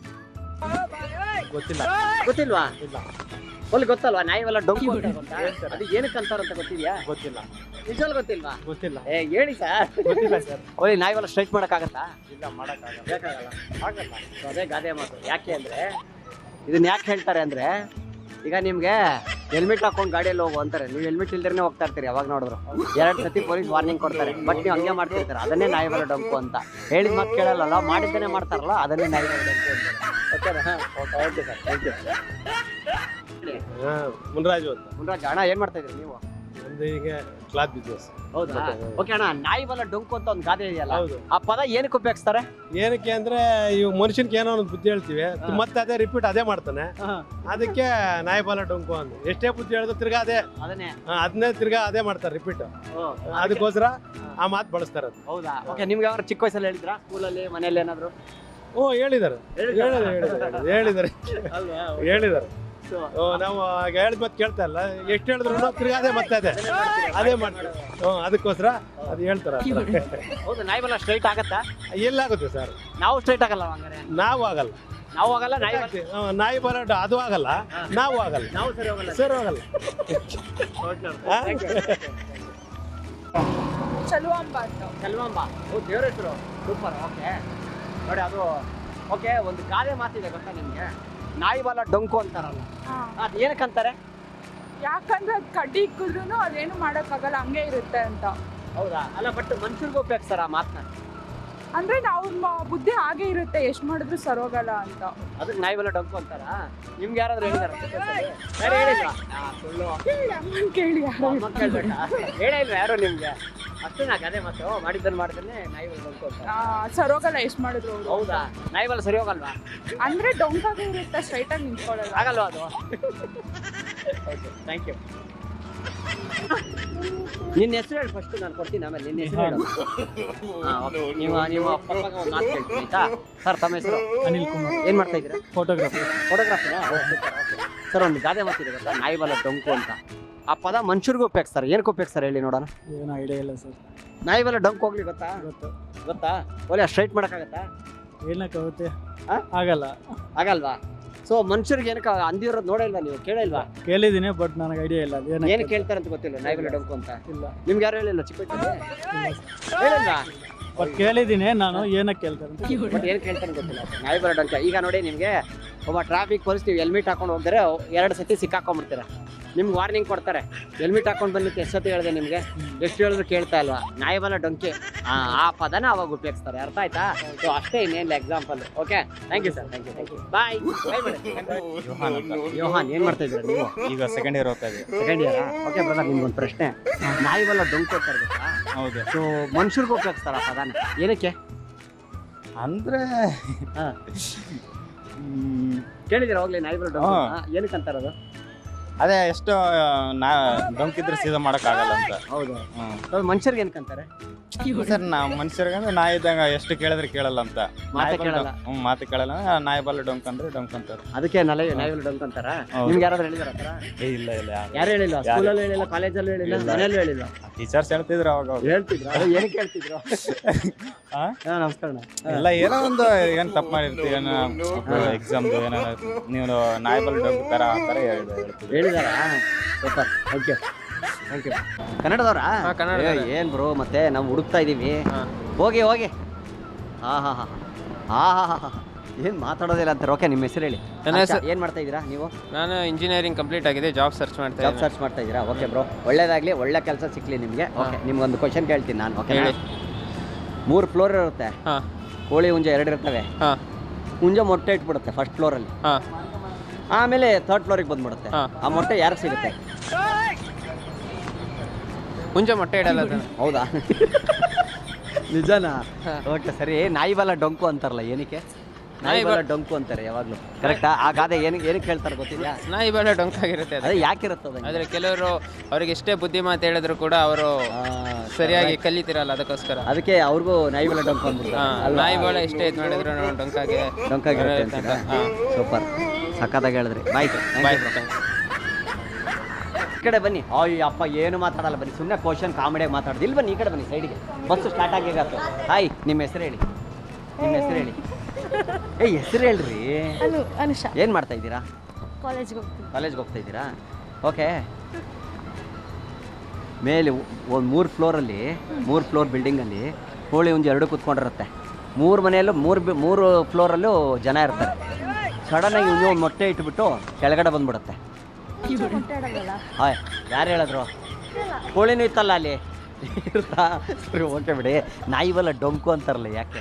ಗೊತ್ತಿಲ್ಲ.
ಗೊತ್ತಿಲ್ವಾ?
ಇಲ್ಲ,
ಒಳ್ಳೆ ಗೊತ್ತಲ್ವಾ ನಾಯಿ ಬಾಲ ಡೊಂಕು ಅಂತ ಗೊತ್ತಾ? ಅದು ಏನಕ್ಕೆ ಅಂತಾರಂತ ಗೊತ್ತಿದ್ಯಾ?
ಗೊತ್ತಿಲ್ಲ.
ನಿಜವಾಗ್ಲೂ ಗೊತ್ತಿಲ್ವಾ?
ಗೊತ್ತಿಲ್ಲ.
ಏ ಹೇಳಿ ಸರ್.
ಗೊತ್ತಿಲ್ಲ ಸರ್.
ಒಳ್ಳೆ ನಾಯಿ ಬಾಲ ಸ್ಟ್ರೈಟ್ ಮಾಡಕ್ಕಾಗತ್ತಾ?
ಇಲ್ಲ, ಮಾಡಕ್ಕಾಗಲ್ಲ.
ಬೇಕಾಗಲ್ಲ.
ಆಗಲ್ಲ.
So ಅದೇ ಗಾದೆ ಮಾತು. ಯಾಕೆ ಅಂದ್ರೆ ಇದನ್ನ ಯಾಕೆ ಹೇಳ್ತಾರೆ ಅಂದ್ರೆ, ಈಗ ನಿಮ್ಗೆ ಹೆಲ್ಮೆಟ್ ಹಾಕೊಂಡು ಗಾಡಿಯಲ್ಲಿ ಹೋಗು ಅಂತಾರೆ, ನೀವು ಹೆಲ್ಮೆಟ್ ಇಲ್ದೇನೆ ಹೋಗ್ತಾ ಇರ್ತೀರಿ ಯಾವಾಗ ನೋಡಿದ್ರು. ಎರಡು ಸತಿ ಪೊಲೀಸ್ ವಾರ್ನಿಂಗ್ ಕೊಡ್ತಾರೆ, ಬಟ್ ನೀವು ಹಂಗೆ ಮಾಡ್ತಿರ್ತಾರೆ. ಅದನ್ನೇ ನಾಯಿ ಬಲ ಡಂಕು ಅಂತ. ಹೇಳಿದ ಮಾತು ಕೇಳಲ್ಲ, ಮಾಡಿದ್ದೇನೆ ಮಾಡ್ತಾರಲ್ಲ, ಅದನ್ನೇ ನಾಯಿ ಬಲ ಡಂಕು ಅಂತ. ಓಕೆನಾ? Okay sir, thank you.
Munraju ಅಂತ
ಮುನ್ರಾಜ್ ಅಣ್ಣ, ಏನ್ ಮಾಡ್ತಾ ಇದ್ರಿ ನೀವು?
ಒಂದು ಈಗ ಕ್ಲಾತ್ ಬಿಸ್ನೆಸ್.
ಹೌದಾ? ಓಕೆ ಅಣ್ಣ, ನಾಯಿ ಬಲ ಡೊಂಕು ಅಂತ ಒಂದು ಗಾದೆ ಇದೆಯಲ್ಲ,
ಹೌದು.
ಆ ಪದ ಏನಕ್ಕೆ ಉಪಯೋಗಿಸ್ತಾರೆ?
ಏನಕ್ಕೆ ಅಂದ್ರೆ ಇವ್ ಮನುಷ್ಯನ್ಗೆ ಏನೋ ಒಂದು ಬುದ್ಧಿ ಹೇಳ್ತೀವಿ, ಮತ್ತೆ ಅದೇ ರಿಪೀಟ್ ಅದೇ ಮಾಡ್ತಾನೆ, ಅದಕ್ಕೆ ನಾಯಿ ಬಾಲ ಡೊಂಕು ಅಂತ. ಎಷ್ಟೇ ಬುದ್ಧಿ ಹೇಳಿದ್ರು ತಿರ್ಗಾ ಅದೇ
ಅದನ್ನೇ
ಅದನ್ನೇ ತಿರ್ಗಾ ಅದೇ ಮಾಡ್ತಾರೆ ರಿಪೀಟ್. ಅದಕ್ಕೋಸ್ಕರ ಆ ಮಾತು ಬಳಸ್ತಾರೆ.
ಹೌದಾ? ಓಕೆ, ನಿಮ್ಗೆ ಯಾರು ಚಿಕ್ಕ ವಯಸ್ಸಲ್ಲಿ ಹೇಳಿದ್ರಾ ಸ್ಕೂಲಲ್ಲಿ, ಮನೇಲಿ ಏನಾದ್ರು?
ಓ ಹೇಳಿದ್ದಾರೆ ಹೇಳಿದ್ದಾರೆ ಹೇಳಿದ್ದಾರೆ ಹೇಳಿದ್ದಾರೆ ಹೇಳಿದ್ದಾರೆ ಓ ನಾವು ಹೇಳಿದ ಮತ್ತೆ ಕೇಳ್ತಾ ಇಲ್ಲ, ಎಷ್ಟು ಹೇಳಿದ್ರು ತಿರ್ಗಾ ಅದೇ ಮತ್ತೆ ಅದೇ ಅದೇ ಮಾಡ್ತಾರೆ. ಹ್ಞೂ ಅದಕ್ಕೋಸ್ಕರ ಅದು ಹೇಳ್ತಾರೆ.
ಹೌದು, ನಾಯಿ ಬಲ ಸ್ಟ್ರೈಟ್ ಆಗತ್ತಾ?
ಎಲ್ಲಾಗುತ್ತೆ ಸರ್,
ನಾವು ಸ್ಟ್ರೈಟ್ ಆಗಲ್ಲ ಹಂಗಾರೆ.
ನಾವು ಆಗಲ್ಲ,
ನಾವು ಆಗಲ್ಲ, ನಾಯಿ ಬಲ
ಹ್ಮ್, ನಾಯಿ ಬರೋಟ ಅದು ಆಗಲ್ಲ, ನಾವು ಆಗಲ್ಲ,
ನಾವು ಸರಿ ಹೋಗಲ್ಲ.
ಸರ್ ಹೋಗಲ್ಲ. ಆ?
ಚಲುವಾಂಬ ಅಂತ.
ಸೆಲ್ವಾಂಬ, ಓ ದೇವ್ರ ಹೆಸರು, ಸೂಪರ್. ಓಕೆ ನೋಡಿ, ಅದು ಓಕೆ. ಒಂದು ಗಾದೆ ಮಾತಿದೆ ಗೊತ್ತಾ ನಿಮ್ಗೆ, ನಾಯಿ ಬಲ ಡೊಂಕು ಅಂತಾರಲ್ಲ, ಅದು ಏನಕ್ಕಂತಾರೆ?
ಯಾಕಂದ್ರೆ ಅದು ಕಡ್ಡಿ ಇಕ್ಕಿದ್ರು ಅದೇನು ಮಾಡೋಕ್ಕಾಗಲ್ಲ, ಹಂಗೆ ಇರುತ್ತೆ ಅಂತ.
ಹೌದಾ? ಅಲ್ಲ, ಬಟ್ ಮನುಷ್ಯರಿಗೂ ಉಪಯೋಗಿಸ್ತಾರ ಆ ಮಾತನ್ನ.
ಅಂದ್ರೆ ನಾವು ಬುದ್ಧಿ ಹಾಗೆ ಇರುತ್ತೆ, ಎಷ್ಟು ಮಾಡಿದ್ರು ಸರೋಗಲ್ಲ ಅಂತ.
ಅದಕ್ಕೆ ನಾಯಿ ಬಲ ಡೊಂಕು ಅಂತಾರ. ನಿಮ್ಗೆ ಯಾರಾದ್ರೂ ಹೇಳಿದಾರ? ಯಾರು ಹೇಳಿಲ್ವಾ? ಸುಳ್ಳು
ಕೇಳಿ ಯಾರು
ಅಮ್ಮ ಕೇಳ್ಬೇಕಾ? ಹೇಳೇ ಇಲ್ವಾ ಯಾರು ನಿಮ್ಗೆ? ಅಷ್ಟೇ ನಾ ಗಾದೆ ಮಾತು, ಮಾಡಿದ್ದನ್ನು ಮಾಡಿದ್ರೆ ನಾಯಿ ಬಲ ಡೊಂಕು ಅಂತ.
ಸರೋಗಲ್ಲ ಎಷ್ಟು ಮಾಡಿದ್ರು ಅವ್ರು.
ಹೌದಾ? ನಾಯಿ ಬಲ ಸರಿ ಹೋಗಲ್ವಾ?
ಅಂದ್ರೆ ಡೊಂಕಾಗೆ ಇರುತ್ತೆ, ಸ್ಟ್ರೈಟ್ ಆಗಿ ನಿಂತ್ಕೊಳ್ಳಲ್ಲ.
ಆಗಲ್ವಾ ಅದು? Okay, thank you. ನಿನ್ನ ಹೆಸರು ಹೇಳಿ ಫಸ್ಟ್, ನಾನು ಕೊಡ್ತೀನಿ ಆಮೇಲೆ. ನಿನ್ನ ಹೆಸರು ಹೇಳು. ಹಾಂ, ಓಕೆ. ನೀವು ನೀವು ಪಪ್ಪಾಗ ಒಂದು ಮಾತು ಕೇಳ್ತೀನಿ ಆಯ್ತಾ? ಸರ್, ತಮ್ಮ ಹೆಸರು?
ಅನಿಲ್ ಕುಮಾರ್,
ಏನು ಮಾಡ್ತಾ ಇದ್ದೀರಾ?
ಫೋಟೋಗ್ರಫಿ.
ಫೋಟೋಗ್ರಾಫಿನಾ? ಸರ್, ಒಂದು ಗಾದೆ ಮಾತಿದೆ ಗೊತ್ತಾ, ನಾಯಿ ಬಲ ಡೊಂಕು ಅಂತ. ಆ ಪದ ಮನುಷ್ಯರಿಗೂ ಉಪಯೋಗಿಸ್ತಾರೆ, ಏನಕ್ಕೆ ಉಪಯೋಗಿಸ್ತಾರೆ ಹೇಳಿ ನೋಡೋಣ.
ಏನು ಐಡಿಯಾ ಇಲ್ಲ ಸರ್.
ನಾಯಿ ಬಲ ಡೊಂಕು ಹೋಗ್ಲಿ ಗೊತ್ತಾ?
ಗೊತ್ತು.
ಗೊತ್ತಾ? ಒಳ್ಳೆ ಸ್ಟ್ರೈಟ್ ಮಾಡೋಕ್ಕಾಗತ್ತಾ?
ಏನಕ್ಕಾಗುತ್ತೆ?
ಆ?
ಆಗಲ್ಲ.
ಆಗಲ್ವಾ? ಸೊ ಮನುಷ್ಯರಿಗೆ ಏನಕ್ಕೆ ಅಂದಿರೋದು ನೋಡಿಲ್ವಾ ನೀವು, ಕೇಳಿಲ್ವಾ?
ಕೇಳಿದ್ದೀನಿ, ಬಟ್ ನನಗೆ ಐಡಿಯಾ ಇಲ್ಲ. ಅದು
ಏನು ಕೇಳ್ತಾರೆ ಅಂತ ಗೊತ್ತಿಲ್ಲ, ನಾಯಿ ಬಲ ಡೊಂಕು ಅಂತ.
ಇಲ್ಲ.
ನಿಮ್ಗೆ ಯಾರು ಹೇಳಿಲ್ಲ ಚಿಕ್ಕ ವಯಸ್ಸಲ್ಲಿ? ಹೇಳಿಲ್ವಾ?
ಬಟ್ ಕೇಳಿದ್ದೀನಿ ನಾನು, ಏನಕ್ಕೆ ಕೇಳ್ತಾರೆ ಅಂತ.
ಬಟ್ ಏನು ಕೇಳ್ತಾರೆ ಗೊತ್ತಿಲ್ಲ, ನಾಯಿ ಬಲ ಡೊಂಕು. ಈಗ ನೋಡಿ, ನಿಮಗೆ ಒಬ್ಬ ಟ್ರಾಫಿಕ್ ಪೊಲೀಸ್ ನೀವು ಹೆಲ್ಮೆಟ್ ಹಾಕೊಂಡು ಹೋಗ್ತಾರೆ, ಎರಡು ಸತಿ ಸಿಕ್ಕಾಕೊಂಡ್ಬಿಡ್ತೀರ. ನಿಮ್ಗೆ ವಾರ್ನಿಂಗ್ ಕೊಡ್ತಾರೆ, ಹೆಲ್ಮೆಟ್ ಹಾಕೊಂಡು ಬಂದಿತ್ತು ಎಷ್ಟು ಸತಿ ಹೇಳಿದೆ ನಿಮಗೆ, ಎಷ್ಟು ಹೇಳಿದ್ರು ಕೇಳ್ತಾ ಇಲ್ವಾ? ನಾಯಿ ಬಲ ಡೊಂಕಿ, ಆ ಪದನ ಅವಾಗ ಉಪಯೋಗಿಸ್ತಾರೆ. ಅರ್ಥ ಆಯ್ತಾ? ಸೊ ಅಷ್ಟೇ, ಇನ್ನೇನಿಲ್ಲ example. Okay, thank you sir, thank you, thank you, bye. Yohan, ಏನು ಮಾಡ್ತಾ ಇದ್ದೀರಾ ನೀವು?
ಈಗ ಸೆಕೆಂಡ್ ಇಯರ್ ಹೋಗ್ತಾ ಇದ್ದೀವಿ.
ಸೆಕೆಂಡ್ ಇಯರಾ? ಓಕೆ ಬ್ರದರ್, ನಿಮ್ಗೊಂದು ಪ್ರಶ್ನೆ. ನಾಯಿ ಬಲ ಡೊಂಕು ಅಂತಾರೆ ಗೊತ್ತಾ?
ಹೌದು.
ಸೊ ಮನುಷ್ಯರಿಗೂ ಉಪಯೋಗಿಸ್ತಾರ ಆ ಪದನ, ಏನಕ್ಕೆ?
ಅಂದ್ರೆ
ಹಾಂ, ಕೇಳಿದಿರ ಹೋಗ್ಲಿ ನಾಯಿ ಬಲ ಡೊಂಕು? ಏನಕ್ಕೆ ಅಂತಾರದು?
ಅದೇ ಎಷ್ಟು ನಾ ಡೊಂಕಿದ್ರೆ ಸೀದಾ ಮಾಡಕ್ಕಾಗಲ್ಲ ಅಂತ.
ಹೌದು.
ಹ್ಮ್
ಮನುಷ್ಯರಿಗೆ ಏನಕ್ಕೆ ಅಂತಾರೆ?
ಸರ್, ನಾವು ಮನುಷ್ಯರಿಗೆ ಅಂದ್ರೆ ನಾಯಿ ಇದ್ದಂಗ ಎಷ್ಟು ಕೇಳಿದ್ರೆ ಕೇಳಲ್ಲ ಅಂತ.
ಮಾತೇ
ನಾಯಿ ಬಲ
ಕೇಳಲ್ಲ.
ಡೊಂಕ್- ಹ್ಮ್ ಮಾತು ಕೇಳಲ್ಲ. ನಾಯಿ ಬಲ ಡೊಂಕ್ ಅಂದ್ರೆ ಡೊಂಕ್ ಅಂತಾರೆ.
ಅದಕ್ಕೆ ನಾಯಿ ನಾಯಿ ಬಲ ಡೊಂಕು ಅಂತಾರ.
ಹೌದು.
ನಿಮ್ಗೆ ಯಾರಾದ್ರೂ ಹೇಳಿದಾರ ಆ ಥರ?
ಏ ಇಲ್ಲ ಇಲ್ಲ
ಯಾರು ಹೇಳಿಲ್ಲ? ಸ್ಕೂಲಲ್ಲೂ ಹೇಳಿಲ್ಲ, ಕಾಲೇಜಲ್ಲೂ ಹೇಳಿಲ್ಲ,
ಇಲ್ಲ.
ಮನೆಯಲ್ಲೂ ಹೇಳಿಲ್ಲ.
ಟೀಚರ್ಸ್ ಹೇಳ್ತಿದ್ರು ಅವಾಗ ಅವ್ರು.
ಹೇಳ್ತಿದ್ರು, ಅದು ಏನಕ್ಕೆ ಹೇಳ್ತಿದ್ರು?
ಆ?
ಹಾ, ನಮಸ್ಕಾರ ಅಣ್ಣ.
ಎಲ್ಲ ಏನೋ ಒಂದು ಏನ್ ತಪ್ಪು ಮಾಡಿರ್ತೀವಿ, ಏನೋ ಎಕ್ಸಾಮ್ದು ಏನೋ ನೀವು ನಾಯಿ ಬಲ ಡೊಂಕ್ ತರ ಆ ತರ ಹೇಳಿದ್ರು ಹೇಳ್ತಿದ್ರು.
ಹೇಳಿದಾರ? Super, thank you, thank you. ಕನ್ನಡದವ್ರಾ?
ಹಾ, ಕನ್ನಡದವ್ರೇ.
ಏ, ಏನ್ ಬ್ರೋ, ಮತ್ತೆ ನಾವು ಹುಡುಕ್ತಾ ಇದೀವಿ. ಹೋಗಿ ಹೋಗಿ. ಹಾ ಹಾ ಹಾ ಹಾ ಹಾ ಹಾ ಹಾ ಏನು ಮಾತಾಡೋದಿಲ್ಲ ಅಂತಾರೆ. ಓಕೆ, ನಿಮ್ಮ ಹೆಸರು ಹೇಳಿ.
ನನ್ನ ಹೆಸರು-
ಏನು ಮಾಡ್ತಾ ಇದ್ದೀರಾ ನೀವು?
ನಾನು ಇಂಜಿನಿಯರಿಂಗ್ ಕಂಪ್ಲೀಟ್ ಆಗಿದೆ, ಜಾಬ್ ಸರ್ಚ್ ಮಾಡ್ತಾ
ಜಾಬ್
ಇದ್ದೀನಿ.
ಸರ್ಚ್ ಮಾಡ್ತಾ ಇದ್ದೀರಾ? ಓಕೆ ಬ್ರೋ, ಒಳ್ಳೇದಾಗಲಿ, ಒಳ್ಳೆ ಕೆಲಸ ಸಿಕ್ಕಲಿ ನಿಮಗೆ. ಓಕೆ, ನಿಮ್ಗೊಂದು ಕ್ವಶನ್ ಕೇಳ್ತೀನಿ ನಾನು. ಓಕೆ,
ಹೇಳಿ.
ಮೂರು ಫ್ಲೋರ್ ಇರುತ್ತೆ,
ಹಾಂ
ಕೋಳಿ ಹುಂಜ ಎರಡು ಇರ್ತವೆ.
ಹಾಂ
ಹುಂಜ ಮೊಟ್ಟೆ ಇಟ್ಬಿಡುತ್ತೆ ಫಸ್ಟ್ ಫ್ಲೋರಲ್ಲಿ,
ಹಾಂ
ಆಮೇಲೆ ಥರ್ಡ್ ಫ್ಲೋರಿಗೆ ಬಂದ್ಬಿಡುತ್ತೆ.
ಹಾ.
ಆ ಮೊಟ್ಟೆ ಯಾರಿಗೆ ಸಿಗುತ್ತೆ?
ಮುಂಚೆ ಮೊಟ್ಟೆ ಇಡಲ್ಲ ಅದನ್ನು.
ಹೌದಾ? ನಿಜನಾ?
ಹಾ.
ಓಕೆ, ಸರಿ. ನಾಯಿ ಬಲ ಡೊಂಕು ಅಂತಾರಲ್ಲ, ಏನಕ್ಕೆ ನಾಯಿ
ನಾಯಿ
ಬಲ
ಬಲ-
ಡೊಂಕು ಅಂತಾರೆ ಯಾವಾಗಲೂ? ಕರೆಕ್ಟಾ? ಆ ಗಾದೆ ಏನಕ್ಕೆ ಏನಕ್ಕೆ ಹೇಳ್ತಾರೆ ಗೊತ್ತಿದೆಯಾ?
ನಾಯಿ ಬಲ ಡೊಂಕಾಗಿರುತ್ತೆ ಅದು.
ಅದೇ ಯಾಕಿರುತ್ತೆ ಅದು?
ಆದರೆ ಕೆಲವರು ಅವ್ರಿಗೆ ಎಷ್ಟೇ ಬುದ್ಧಿ ಮಾತು ಹೇಳಿದ್ರು ಕೂಡ ಅವರು ಸರಿಯಾಗಿ ಕಲಿತಿರಲ್ಲ, ಅದಕ್ಕೋಸ್ಕರ.
ಅದಕ್ಕೆ ಅವ್ರಿಗೂ ನಾಯಿ ಬಲ ಡೊಂಕು ಅಂದ್ಬಿಡ್ತಾರೆ
ಹಾಂ,
ಅಲ್ವಾ?
ನಾಯಿ ಬಲ ಎಷ್ಟೇ ಇದು ಮಾಡಿದ್ರು ನಾವು ಡೊಂಕಾಗೆ
ಡೊಂಕಾಗಿರುತ್ತೆ ಅಂತೀರಾ?
ಹಾಂ.
ಸೂಪರ್, ಸಖತ್ತಾಗಿ ಹೇಳಿದ್ರಿ. ಬಾಯ್
ಬಾಯ್.
ಈ ಕಡೆ ಬನ್ನಿ. ಅಯ್ಯ ಅಪ್ಪ, ಏನು ಮಾತಾಡಲ್ಲ, ಬನ್ನಿ ಸುಮ್ಮನೆ ಕ್ವಶನ್ ಕಾಮಿಡಿಯಾಗಿ ಮಾತಾಡ್ದು. ಇಲ್ಲಿ ಬನ್ನಿ, ಈ ಕಡೆ ಬನ್ನಿ ಸೈಡ್ಗೆ. Bus start ಆಗಿಗಾತು. ಹಾಯ್, ನಿಮ್ಮ ಹೆಸರು ಹೇಳಿ, ನಿಮ್ಮ ಹೆಸರು ಹೇಳಿ. ಏ, ಹೆಸರು ಹೇಳ್ರಿ.
ಅನು ಅನುಷಾ,
ಏನು ಮಾಡ್ತಾ ಇದ್ದೀರಾ?
ಕಾಲೇಜ್ಗೆ ಹೋಗ್ತೀನಿ.
ಕಾಲೇಜ್ಗೆ ಹೋಗ್ತಾ ಇದ್ದೀರಾ? ಓಕೆ. ಮೇಲೆ ಒಂದು ಮೂರು ಫ್ಲೋರಲ್ಲಿ, ಮೂರು ಫ್ಲೋರ್ ಬಿಲ್ಡಿಂಗಲ್ಲಿ ಕೋಳಿ ಹುಂಜ ಎರಡು ಕೂತ್ಕೊಂಡಿರುತ್ತೆ. ಮೂರು ಮನೆಯಲ್ಲೂ ಮೂರು ಬಿ ಮೂರು ಫ್ಲೋರಲ್ಲೂ ಜನ ಇರ್ತಾರೆ. ಸಡನ್ನಾಗಿ ಹುಂಜ ಒಂದು ಮೊಟ್ಟೆ ಇಟ್ಬಿಟ್ಟು ಕೆಳಗಡೆ ಬಂದ್ಬಿಡುತ್ತೆ. ಹಾಯ್ ಯಾರು ಹೇಳಿದ್ರು ಕೋಳಿನೂ ಇತ್ತಲ್ಲ ಅಲ್ಲಿ ಸರಿ ಓಕೆ ಬಿಡಿ ನಾಯಿ ಬಲ್ಲ ಡೊಂಕು ಅಂತಾರಲ್ಲ ಯಾಕೆ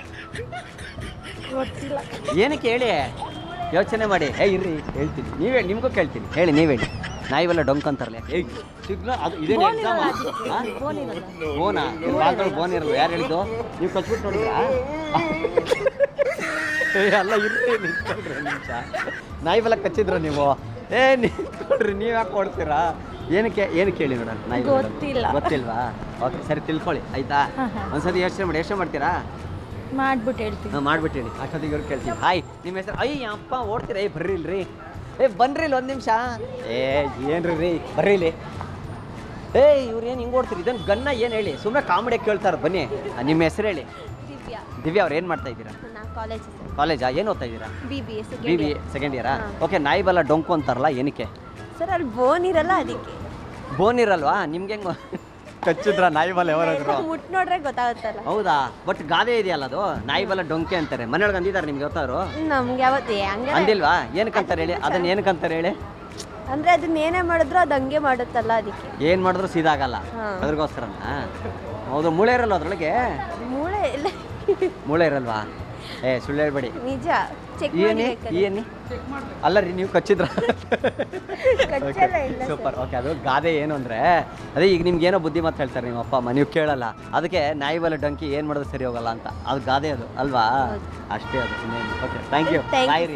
ಏನಕ್ಕೆ ಹೇಳಿ ಯೋಚನೆ ಮಾಡಿ ಏ ಇರ್ರಿ ಹೇಳ್ತೀನಿ ನೀವೇ ನಿಮಗೂ ಕೇಳ್ತೀನಿ ಹೇಳಿ ನೀವು ಹೇಳಿ ನಾಯಿ ಬಲ್ಲ ಡೊಂಕು ಅಂತಾರಲ್ಲ ಯಾಕೆ ಏಯ್ ಸಿಗ್ನಲ್ ಅದು ಇದೇನು ಎಕ್ಸಾಮ್ ಬೋನಾ ಬಾಲ್ಗಳು ಬೋನ್ ಇರಲ್ಲ ಯಾರು ಹೇಳಿದ್ದು ನೀವು ಕಚ್ಬಿಟ್ಟು ನೋಡಿದ್ರಾ ಏ ಅಲ್ಲ ಇರ್ರಿ ನಿಂತ್ಕೊಳ್ರಿ ನಿಮಿಷ ನಾಯಿ ಬಲ್ಲ ಕಚ್ಚಿದ್ರ ನೀವು ಏ ನಿಂತ್ಕೊಳ್ರಿ ನೀವು ಯಾಕೆ ಕೊಡ್ತೀರಾ ಏನಕ್ಕೆ ಏನಕ್ಕೆ ಹೇಳಿ ನೋಡೋಣ ನಾಯಿ
ಗೊತ್ತಿಲ್ಲ.
ಗೊತ್ತಿಲ್ವಾ ಓಕೆ ಸರಿ ತಿಳ್ಕೊಳ್ಳಿ ಆಯ್ತಾ ಒಂದ್ಸತಿ ಯೋಚನೆ ಮಾಡಿ ಯೋಚನೆ ಮಾಡ್ತೀರಾ
ಮಾಡ್ಬಿಟ್ಟು ಹೇಳ್ತೀನಿ
ಹಾಂ ಮಾಡ್ಬಿಟ್ಟು ಹೇಳಿ ಅಷ್ಟೊತ್ತಿಗೆ ಇವ್ರು ಕೇಳ್ತೀವಿ ಹಾಯ್ ನಿಮ್ಮ ಹೆಸರು ಅಯ್ಯ ಅಪ್ಪ ಓಡ್ತೀರ ಏ ಬರ್ರಿ ಇಲ್ರಿ ಏ ಬನ್ರಿ ಇಲ್ಲಿ ಒಂದು ನಿಮಿಷ ಏ ಏನ್ರಿ ರೀ ಬರ್ರಿ ಇಲ್ಲಿ ಏ ಇವ್ರು ಏನು ಹಿಂಗೆ ಓಡ್ತೀರಿ ಇದನ್ನು ಗನ್ನ ಏನು ಹೇಳಿ ಸುಮ್ಮನೆ ಕಾಮಿಡಿ ಕೇಳ್ತಾರೆ ಬನ್ನಿ ನಿಮ್ಮ ಹೆಸರು ಹೇಳಿ
ದಿವ್ಯಾ
ದಿವ್ಯಾ ಅವ್ರು ಏನು ಮಾಡ್ತಾ ಇದ್ದೀರಾ
ನಾ ಕಾಲೇಜ್
ಕಾಲೇಜಾ ಏನು ಓದ್ತಾ ಇದ್ದೀರಾ
B B S
B B A second ಇಯರಾ ಓಕೆ ನಾಯಿ ಬಲ್ಲ ಡೊಂಕು ಅಂತಾರಲ್ಲ ಏನಕ್ಕೆ
ಸರ್ ಅಲ್ಲಿ ಬೋನ್ ಇರಲ್ಲ ಅದಕ್ಕೆ
ಬೋನ್ ಇರಲ್ವಾ ನಿಮ್ಗೆ ಹೆಂಗೆ ಕಚ್ಚಿದ್ರ ನಾಯಿ ಬಲ್ಲ ಯಾವಾಗಾದ್ರು
ಮುಟ್ ನೋಡ್ರೆ ಗೊತ್ತಾಗುತ್ತಲ್ಲ
ಹೌದಾ ಬಟ್ ಗಾದೆ ಇದೆಯಲ್ಲ ಅದು ನಾಯಿ ಬಲ್ಲ ಡೊಂಕೆ ಅಂತಾರೆ ಮನೆಯೊಳಗೆ ಅಂದಿದ್ದಾರೆ ನಿಮ್ಗೆ ಗೊತ್ತಾದ್ರು
ನಮ್ಗೆ ಯಾವತ್ತೇ ಹಂಗೆ
ಅಂದಿಲ್ವಾ ಏನಕ್ಕಂತಾರೆ ಹೇಳಿ ಅದನ್ನ ಏನಕ್ಕಂತಾರೆ ಹೇಳಿ
ಅಂದ್ರೆ ಅದನ್ನ ಏನೇ ಮಾಡಿದ್ರು ಅದು ಹಂಗೆ ಮಾಡುತ್ತಲ್ಲ ಅದಕ್ಕೆ
ಏನು ಮಾಡಿದ್ರು ಸೀದಾಗಲ್ಲ
ಹಾ.
ಅದ್ರಗೋಸ್ಕರನಾ ಹೌದು ಮೂಳೆ ಇರಲ್ಲ ಅದ್ರೊಳಗೆ
ಮೂಳೆ ಇಲ್ಲ
ಮೂಳೆ ಇರಲ್ವಾ ಏ ಸುಳ್ಳು ಹೇಳ್ಬೇಡಿ
ನಿಜ ಚೆಕ್
ಏನಿ ಏನಿ ಅಲ್ಲ ರೀ ನೀವು ಕಚ್ಚಿದ್ರ
ಕಚ್ಚಲ್ಲ ಇಲ್ಲ
ಸೂಪರ್ ಓಕೆ ಅದು ಗಾದೆ ಏನು ಅಂದರೆ ಅದೇ ಈಗ ನಿಮ್ಗೆ ಏನೋ ಬುದ್ಧಿ ಮಾತು ಹೇಳ್ತಾರೆ ನಿಮ್ಮ ಅಪ್ಪ ಅಮ್ಮ ನೀವು ಕೇಳಲ್ಲ ಅದಕ್ಕೆ ನಾಯಿ ಬಲ್ಲ ಡಂಕಿ ಏನು ಮಾಡೋದು ಸರಿ ಹೋಗಲ್ಲ ಅಂತ ಅದು ಗಾದೆ ಅದು ಅಲ್ವಾ ಅಷ್ಟೇ ಅದು okay thank you
Thank you,
bye ರೀ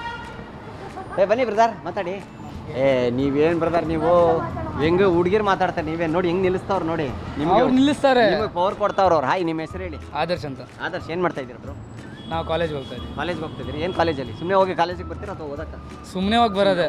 ಏ ಬನ್ನಿ ಬ್ರದರ್ ಮಾತಾಡಿ ಏ ನೀವೇನು ಬ್ರದರ್ ನೀವು ಹೆಂಗೆ ಹುಡುಗಿರು ಮಾತಾಡ್ತಾರೆ ನೀವೇ ನೋಡಿ ಹೆಂಗೆ ನಿಲ್ಲಿಸ್ತಾವ್ರು ನೋಡಿ ನಿಮ್ಗೆ
ನಿಲ್ಲಿಸ್ತಾರೆ
ನಿಮಗೆ ಪವರ್ ಕೊಡ್ತಾವ್ರು ಅವ್ರು ಹಾಯ್ ನಿಮ್ಮ ಹೆಸರು ಹೇಳಿ
ಆದರ್ಶ್ ಅಂತ
ಆದರ್ಶ್ ಏನು ಮಾಡ್ತಾ ಇದ್ದೀರಾ ಬ್ರೋ
ನಾವು ಕಾಲೇಜ್ಗೆ ಹೋಗ್ತಾ ಇದ್ದೀವಿ
ಕಾಲೇಜ್ಗೆ ಹೋಗ್ತಿದ್ದೀರಿ ಏನು ಕಾಲೇಜಲ್ಲಿ ಸುಮ್ಮನೆ ಹೋಗಿ ಕಾಲೇಜಿಗೆ ಬರ್ತೀರಾ ಅಥವಾ ಓದಕ್ಕ
ಸುಮ್ಮನೆ ಹೋಗಿ ಬರೋದೆ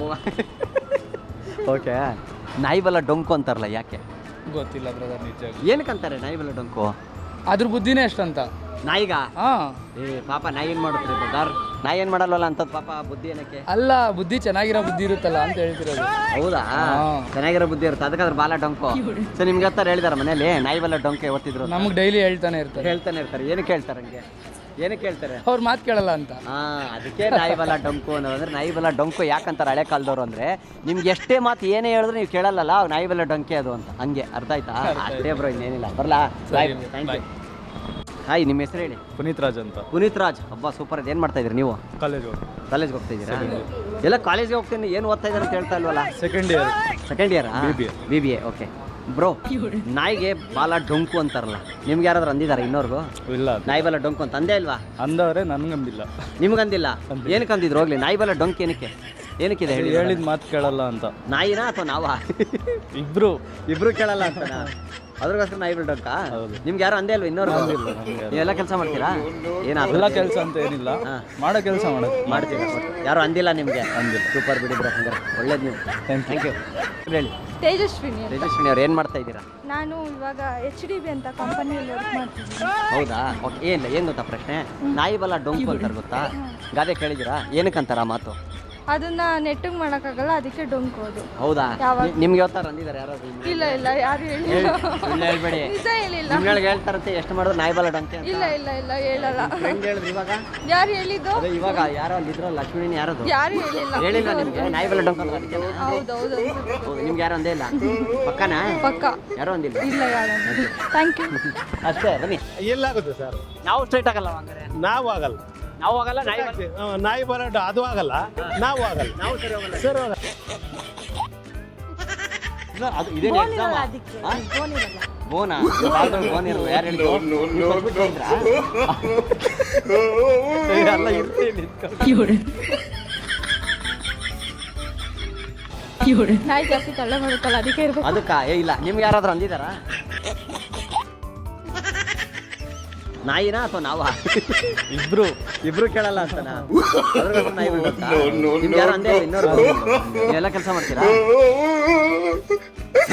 ಓಕೆ ನಾಯಿ ಬಲ್ಲ ಡೊಂಕು ಅಂತಾರಲ್ಲ ಯಾಕೆ
ಗೊತ್ತಿಲ್ಲ ಬ್ರದರ್ ನಿಜ
ಏನಕ್ಕಂತಾರೆ ನಾಯಿ ಬಲ್ಲ ಡೊಂಕು
ಅದ್ರ ಬುದ್ಧಿನೇ ಎಷ್ಟಂತ
ನಾಯಿಗ
ಹಾಂ
ಏ ಪಾಪ ನಾಯಿ ಏನು ಮಾಡುತ್ತೆ ಬ್ರದರ್ ನಾಯಿ ಏನು ಮಾಡಲ್ವಲ್ಲ ಅಂತದ್ ಪಾಪ ಬುದ್ಧಿ ಏನಕ್ಕೆ
ಅಲ್ಲ ಬುದ್ಧಿ ಚೆನ್ನಾಗಿರೋ ಬುದ್ಧಿ ಇರುತ್ತಲ್ಲ ಅಂತ ಹೇಳ್ತಿರೋದು
ಹೌದಾ ಚೆನ್ನಾಗಿರೋ ಬುದ್ಧಿ ಇರುತ್ತೆ ಅದಕ್ಕೆ ಅದ್ರ ಬಾಲ ಡೊಂಕು ಸೊ ನಿಮ್ಗೆ ಹತ್ತಾರ ಹೇಳಿದಾರೆ ಮನೇಲಿ ನಾಯಿ ಬಲ್ಲ ಡೊಂಕೆ ಓದ್ತಿದ್ರು
ನಮಗೆ ಡೈಲಿ ಹೇಳ್ತಾನೆ ಇರ್ತಾರೆ
ಹೇಳ್ತಾನೆ ಇರ್ತಾರೆ ಏನಕ್ಕೆ ಹೇಳ್ತಾರೆ ಹಂಗೆ ಏನಕ್ಕೆ ಹೇಳ್ತಾರೆ
ಅವ್ರ ಮಾತು ಕೇಳಲ್ಲ ಅಂತ
ಹಾ ಅದಕ್ಕೆ ನಾಯಿ ಬಲ ಡೊಂಕು ಅನ್ನೋದಂದ್ರೆ ನಾಯಿ ಬಲ ಡೊಂಕು ಯಾಕಂತಾರೆ ಹಳೆ ಕಾಲದವ್ರು ಅಂದ್ರೆ ನಿಮ್ಗೆ ಎಷ್ಟೇ ಮಾತು ಏನೇ ಹೇಳಿದ್ರು ನೀವು ಕೇಳಲ್ಲ ಅವ್ ನಾಯಿ ಬಲ ಡೊಂಕೆ ಅದು ಅಂತ ಹಂಗೆ ಅರ್ಥ ಆಯ್ತಾ ಅಷ್ಟೇ ಬ್ರೋ ಇನ್ನೇನಿಲ್ಲ ಬರ್ಲಾ ಬಾಯ್ ಥ್ಯಾಂಕ್ ಯು ಹಾಯ್ ನಿಮ್ಮ ಹೆಸರು ಹೇಳಿ
ಪುನೀತ್ ರಾಜ್ ಅಂತ
ಪುನೀತ್ ರಾಜ್ ಹಬ್ಬ ಸೂಪರ್ ಏನು ಮಾಡ್ತಾ ಇದ್ರಿ ನೀವು
ಕಾಲೇಜ್
ಕಾಲೇಜ್ಗೆ ಹೋಗ್ತಾ ಇದ್ದೀರಾ ಎಲ್ಲ ಕಾಲೇಜ್ಗೆ ಹೋಗ್ತೀನಿ ಏನು ಓದ್ತಾ ಇದ್ದಾರೆ ಅಂತ ಹೇಳ್ತಾ ಇಲ್ವಲ್ಲ
second year
second year
B B A.
B B A okay bro ನಾಯಿಗೆ ಬಾಲ ಡೊಂಕು ಅಂತಾರಲ್ಲ ನಿಮ್ಗೆ ಯಾರಾದ್ರೂ ಅಂದಿದ್ದಾರೆ ಇನ್ನೋರ್ಗು
ಇಲ್ಲ
ನಾಯಿ ಬಾಲ ಡೊಂಕು ಅಂತ ಅಂದೇ ಇಲ್ವಾ
ಅಂದವ್ರೆ ನನ್ಗಂದಿಲ್ಲ
ನಿಮ್ಗಂದಿಲ್ಲ ಏನಕ್ಕೆ ಅಂದಿದ್ರು ಹೋಗ್ಲಿ ನಾಯಿ ಬಾಲ ಡೊಂಕು ಏನಕ್ಕೆ ಏನಕ್ಕಿದೆ ಹೇಳಿ
ಹೇಳಿದ ಮಾತು ಕೇಳಲ್ಲ ಅಂತ
ನಾಯಿನಾ ಅಥವಾ ನಾವಾ
ಇಬ್ರು
ಇಬ್ರು ಕೇಳಲ್ಲ ಅಂತನಾ ಅದ್ರಗೋಸ್ಕರ ನಾಯಿ ಬಾಲ ಡೊಂಕ
ಹೌದು.
ನಿಮ್ಗೆ ಯಾರು ಅಂದೇ ಇಲ್ವಾ ಇನ್ನೋರ್ಗು ನೀವೆಲ್ಲ ಕೆಲಸ ಮಾಡ್ತೀರಾ ಏನಾದ್ರು
ಎಲ್ಲ ಕೆಲಸ ಅಂತ ಏನಿಲ್ಲ ಮಾಡೋ ಕೆಲಸ ಮಾಡೋದು
ಮಾಡ್ತೀರಾ ಯಾರು ಅಂದಿಲ್ಲ ನಿಮಗೆ
ಅಂದಿಲ್ಲ.
ಸೂಪರ್ ಬಿಡಿ ಬ್ರೋ ಹಂಗಾರೆ ಒಳ್ಳೇದು ನೀವು ಥ್ಯಾಂಕ್ ಯು ಹೇಳಿ
ತೇಜಸ್ವಿನಿ
ತೇಜಸ್ವಿನಿ ಅವ್ರು ಏನು ಮಾಡ್ತಾ ಇದ್ದೀರಾ
ನಾನು ಇವಾಗ ಎಚ್ ಡಿ ಬಿ ಅಂತ ಕಂಪನಿಯಲ್ಲಿ ವರ್ಕ್ ಮಾಡ್ತಿದ್ದೀನಿ
ಹೌದಾ ಓಕೆ ಏನಿಲ್ಲ ಏನು ಗೊತ್ತಾ ಪ್ರಶ್ನೆ ನಾಯಿ ಬಲ ಡೊಂಕು ಅಂತಾರೆ ಗೊತ್ತಾ ಗಾದೆ ಕೇಳಿದ್ದೀರಾ ಏನಕ್ಕಂತಾರ ಆ ಮಾತು
ಅದನ್ನ ನೆಟ್ಟಿಗೆ ಮಾಡೋಕ್ಕಾಗಲ್ಲ ಅದಕ್ಕೆ ಡೊಂಕೋದು
ಹೌದಾ
ಯಾವಾಗ?
ನಿ- ನಿಮ್ಗೆ ಯಾವತ್ತಾರ ಅಂದಿದ್ದಾರೆ ಯಾರಾದ್ರು ನಿಮ್ಗೆ?
ಇಲ್ಲ ಇಲ್ಲ ಯಾರು ಹೇಳಿಲ್ಲ
ಹೇಳ್- ಸುಳ್ಳು ಹೇಳ್ಬೇಡಿ
ನಿಜ ಹೇಳಿಲ್ಲ
ನಿಮ್ಗಳಿಗೆ ಹೇಳ್ತಾರಂತೆ ಎಷ್ಟು ಮಾಡಿದ್ರು ನಾಯಿ ಬಲ ಡೊಂಕೆ ಅಂತ
ಇಲ್ಲ ಇಲ್ಲ ಇಲ್ಲ ಹೇಳಲ್ಲ
ಫ್ರೆಂಡ್ ಹೇಳಿದ್ರು ಇವಾಗ
ಯಾರು ಹೇಳಿದ್ದು
ಅದೇ ಇವಾಗ ಯಾರೋ ಅಲ್ಲಿ ಇದ್ರಲ್ಲ ಲಕ್ಷ್ಮೀನಿ ಯಾರದು
ಯಾರು ಹೇಳಿಲ್ಲ
ಹೇಳಿಲ್ಲ ನಿಮ್ಗೆ ನಾಯಿ ಬಲ ಡೊಂಕ ಅಂತ ಅದಕ್ಕೆ
ಹೌದೌದು
ಹೌದು ನಿಮ್ಗೆ ಯಾರು ಅಂದೇ ಇಲ್ಲ ಪಕ್ಕನಾ
ಪಕ್ಕ
ಯಾರೋ ಅಂದಿಲ್ಲ
ಇಲ್ಲ ಯಾರು ಥ್ಯಾಂಕ್ ಯು
ಅಷ್ಟೇ ಬನ್ನಿ
ಎಲ್ಲಾಗುತ್ತೆ ಸರ್
ನಾವು ಸ್ಟ್ರೈಟ್ ಆಗಲ್ಲ ಹಂಗಾರೆ
ನಾವು ಆಗಲ್ಲ
ನಾವು ಆಗಲ್ಲ ನಾಯಿ ಬಲ
ಹ್ಮ್, ನಾಯಿ ಬರೋದು ಅದು ಆಗಲ್ಲ ನಾವು ಆಗಲ್ಲ
ನಾವು ಸರಿ ಹೋಗಲ್ಲ
ಸರ್ ಹೋಗಲ್ಲ
ಇಲ್ಲ, ಅದು ಇದೇನು ಎಕ್ಸಾಮ್ ಬೋನಾ ಬಾಲ್ಗಳು ಬೋನ್ ಇರಲ್ಲ ಯಾರು ಹೇಳಿದ್ರು ನೀವು ಕೊಟ್ಬಿಟ್ಟು ಹೋದ್ರಾ? ಏ, ಅಲ್ಲ ಇರ್ಲಿ ನಿಂತ್ಕೊಂಡು.
ನಾಯಿ ಜಾಸ್ತಿ ತಳ್ಳ ಮಾಡುತ್ತಲ್ಲ ಅದಕ್ಕೆ ಇರ್ಬೇಕು
ಅದಕ್ಕ ಏ ಇಲ್ಲ ನಿಮ್ಗೆ ಯಾರಾದ್ರೂ ಅಂದಿದಾರಾ ನಾಯಿನಾ ಅಥವಾ ನಾವಾ
ಇಬ್ರು
ಇಬ್ರು ಕೇಳಲ್ಲ ಅಂತನಾ ಅದ್ರಗೋಸ್ಕರ ನಾಯಿ ಬಿಡ್ಬೇಕಾ? ನಿಮ್ಗೆ ಯಾರು ಅಂದೇ ಇಲ್ಲ ಇನ್ನೊರು ಎಲ್ಲ ಕೆಲಸ ಮಾಡ್ತೀರಾ